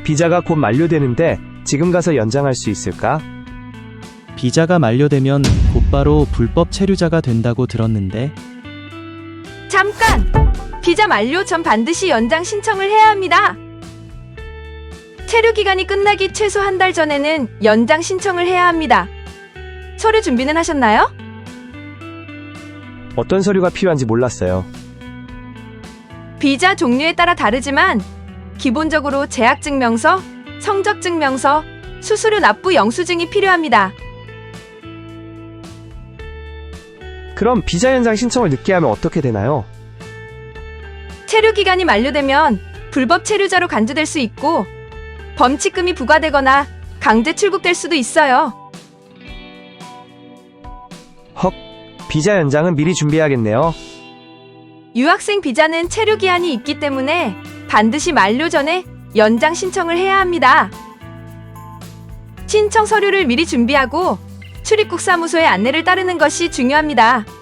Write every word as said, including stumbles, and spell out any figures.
비자가 곧 만료되는데 지금 가서 연장할 수 있을까? 비자가 만료되면 곧바로 불법 체류자가 된다고 들었는데. 잠깐! 비자 만료 전 반드시 연장 신청을 해야 합니다. 체류 기간이 끝나기 최소 한 달 전에는 연장 신청을 해야 합니다. 서류 준비는 하셨나요? 어떤 서류가 필요한지 몰랐어요. 비자 종류에 따라 다르지만 기본적으로 재학증명서, 성적증명서, 수수료 납부 영수증이 필요합니다. 그럼 비자 연장 신청을 늦게 하면 어떻게 되나요? 체류 기간이 만료되면 불법 체류자로 간주될 수 있고 범칙금이 부과되거나 강제 출국될 수도 있어요. 헉, 비자 연장은 미리 준비해야겠네요. 유학생 비자는 체류 기한이 있기 때문에 반드시 만료 전에 연장 신청을 해야 합니다. 신청 서류를 미리 준비하고 출입국 사무소의 안내를 따르는 것이 중요합니다.